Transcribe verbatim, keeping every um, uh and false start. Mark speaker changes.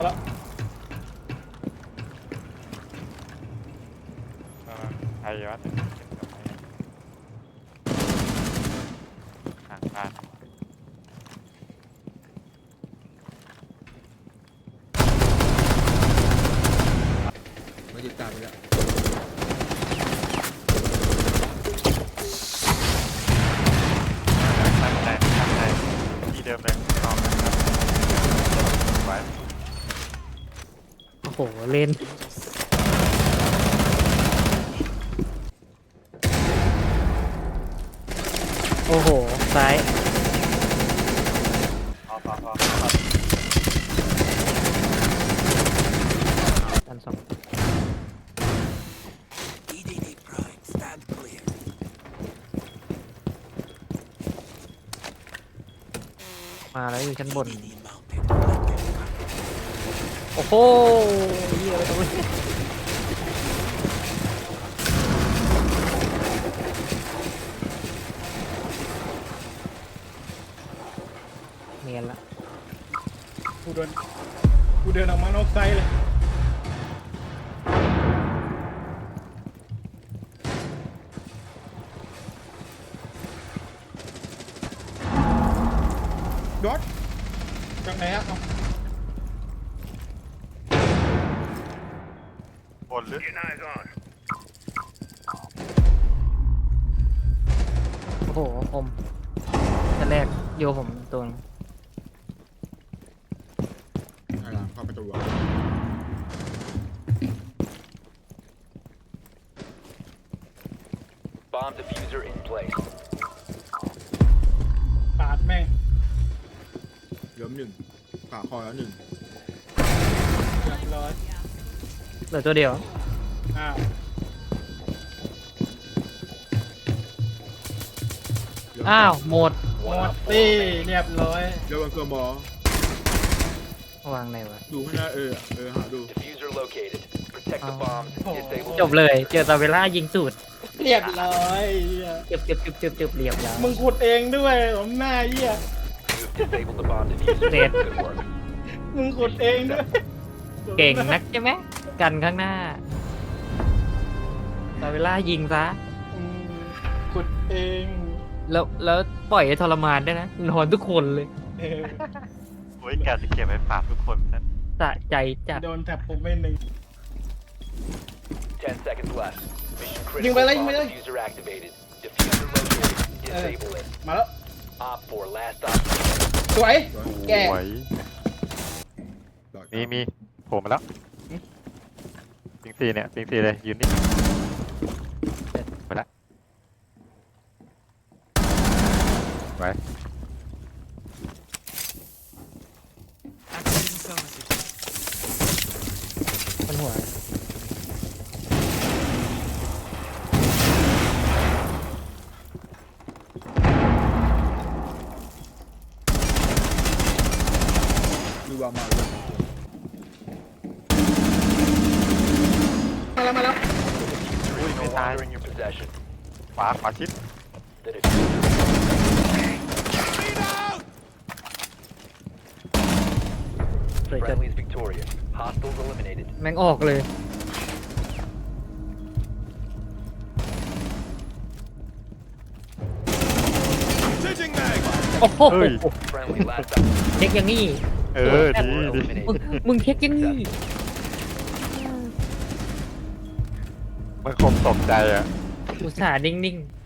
Speaker 1: แล้ว
Speaker 2: ไอ้วัดห่างบ้าน
Speaker 3: มาติดตามไปแล้ว
Speaker 2: ตั้งใจตั้งใจที่เดิมเลยลองนะครับไว้
Speaker 4: โอ้โหเล่นโอ้โหซ้าย
Speaker 2: พอพอพอ
Speaker 4: อันสองมาแล้วอยู่ชั้นบนโอ้โหเหี้ยอะไรวะเนียนละ
Speaker 1: กูเดินกูเดินออกมานอกไซต์เลยดอทจากไหนอะเอา
Speaker 2: บนหรือ
Speaker 4: โอ้โหผมจะแรกโยผมตัวนึง
Speaker 3: อะไรเข้าประตูวะ
Speaker 5: Bomb diffuser in place.
Speaker 1: ปาดแม่ง
Speaker 3: เริ่มหนึ่งผ่าคอแล้วหนึ่ง
Speaker 1: เรียบร้อย
Speaker 4: เหลือตัวเดียว
Speaker 1: อ้าว
Speaker 4: อ้าวหมด
Speaker 1: หมดตี้เรียบร้อย
Speaker 3: เดี๋ยววันเกิร์มอ
Speaker 4: วางไหนวะ
Speaker 3: ดูข้างหน้าเออเออหาดู
Speaker 5: Diffuser located. Protect the bombs. Disable.
Speaker 4: จบเลย เจอตาเวล่ายิงสูตร
Speaker 1: เรียบร้อยเหี้ย
Speaker 4: เจ็บเจ็บเจ็บเจ็บเจ็บเรียบแล้ว
Speaker 1: มึงขุดเองด้วยผมหน้าเหี้ย
Speaker 5: You've disabled the bomb diffuser.
Speaker 4: Dead.
Speaker 5: Good work.
Speaker 1: มึงขุดเองด้วย
Speaker 4: เก่งนักใช่ไหมกันข้างหน้าตาเวล่ายิงซะ
Speaker 1: อืมขุดเอง
Speaker 4: แล้วแล้วปล่อยให้ทรมานได้วยนะนอนทุกคนเลย
Speaker 1: เออ
Speaker 2: โอ้ยแกจะเก็บไว้ฝากทุกคนนะ
Speaker 4: สะใจจัด
Speaker 1: โดนแท็บผมไม่หนึ่ง
Speaker 5: Ten seconds left. Mission
Speaker 1: ยิงไป
Speaker 5: critical.
Speaker 1: เลยยิง
Speaker 5: Bomb
Speaker 1: ไปเลย
Speaker 5: diffuser activated. Diffuser located. Disable it.
Speaker 1: มาแล้ว
Speaker 5: Op four last op.
Speaker 1: สวย แก
Speaker 2: สวยมีมีโผล่มาแล้วปิงซีเนี่ยปิงซีเลยยืนนี่ไปละไว้
Speaker 4: มันหัว
Speaker 3: ดูวางมาเลย
Speaker 1: มาแล้วมาแล้ว
Speaker 5: Diffuser is no longer in your possession.
Speaker 2: ขวาขวาชิด
Speaker 5: The diffuser.
Speaker 4: สวยจัด
Speaker 5: Friendly is victorious. Hostiles eliminated.
Speaker 4: แม่งออกเลยโอ้โห
Speaker 2: เฮ้ย
Speaker 5: Friendly last op.
Speaker 4: เช็คอย่างนี้
Speaker 2: เออดีดี
Speaker 4: มึงมึงเช็คอย่างนี้
Speaker 2: มันคงตกใจอ่ะ
Speaker 4: อุตส่าห์นิ่งๆ